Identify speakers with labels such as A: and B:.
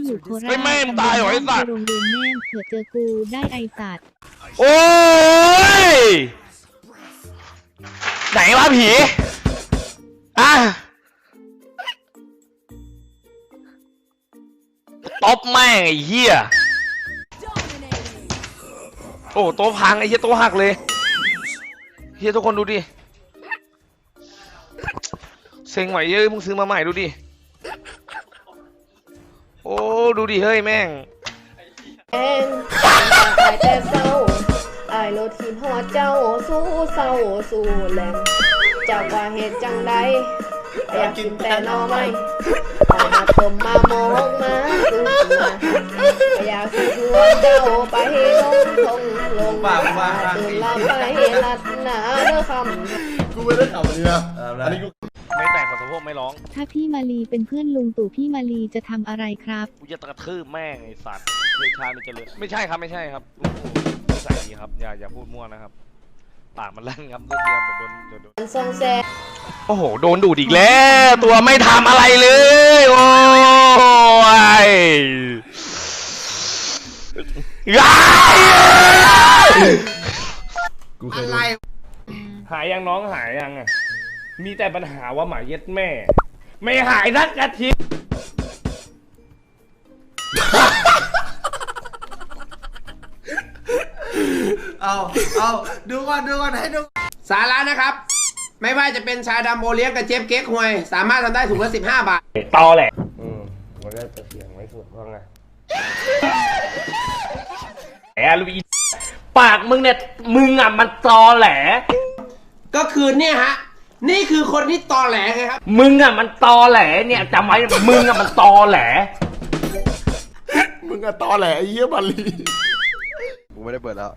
A: อยู่โคราช
B: เฮ้ยแม่งตายเหรอไอ้สัตว์
A: โรงเรียนแม่งเผื่อเจอกูได้ไอสัตว์
B: โอ้ยไหนวะผีอ่ะตบแม่งไอ้เหี้ยโอ้โต๊ะพังไอ้เหี้ยโต๊ะหักเลยเหี้ยทุกคนดูดิเซ็งไหวเยอะมึงซื้อมาใหม่ดูดิโอ้ดูดิเฮ้ยแม่ง
C: แองตายแต่เศร้าอายโลทีหอดเจ้าสู้เศร้าสู้แรงจากว่าเหตุจังใดอยากกินแต่หนอไม่เอามาต้มมามองมาสู้มาอยากสิชวนเจ้าไปลงทงลงตื่นละไปลัดหนาเด้อคำ
D: กูไม่ได้ขับอันนี้นะอันนี้กู
B: ไม่แต่งขอสะโพกไม่ร้อง
A: ถ้าพี่มาลีเป็นเพื่อนลุงตู่พี่มาลีจะทำอะไรครับ
B: กูจะกระทืบแม่งไอ้สัตว์เดชามันจะเลยไม่ใช่ครับไม่ใช่ครับโอ้โหนิสัยดีครับอย่าพูดมั่วนะครับปากมันลั่นครับเมื่อกี้เดี๋ยวโดน
C: ทรงแซ
B: โอ้โหโดนดูดอีกแล้วตัวไม่ทำอะไรเลย โอ้ยย้าย
D: กูเคยดู
B: หายยังน้องหายยังอ่ะมีแต่ปัญหาว่าหมาเย็ดแม่ ไม่หายสักอาทิตย์
D: เอาดูก่อนให้ดู
E: สาระนะครับ ไม่ว่าจะเป็นชาดำโอเลี้ยงกับเจฟเก๊กฮวย สามารถทำได้ถุงละ15 บาท
B: ตอแหละมันก็จะเสียงไม่สุดว่าไงแอลูอีปากมึงเนี่ยมึงอ่ะมันตอแหล
E: ก็คือเนี่ยฮะ นี่คือคนที่ตอแหลไงครับ
B: มึงอ่ะมันตอแหลเนี่ยจำไว้มึงอ่ะมันตอแหล
D: มึงอะตอแหลไอ้เหี้ยบาลี
F: กูไม่ได้เปิดแล้ว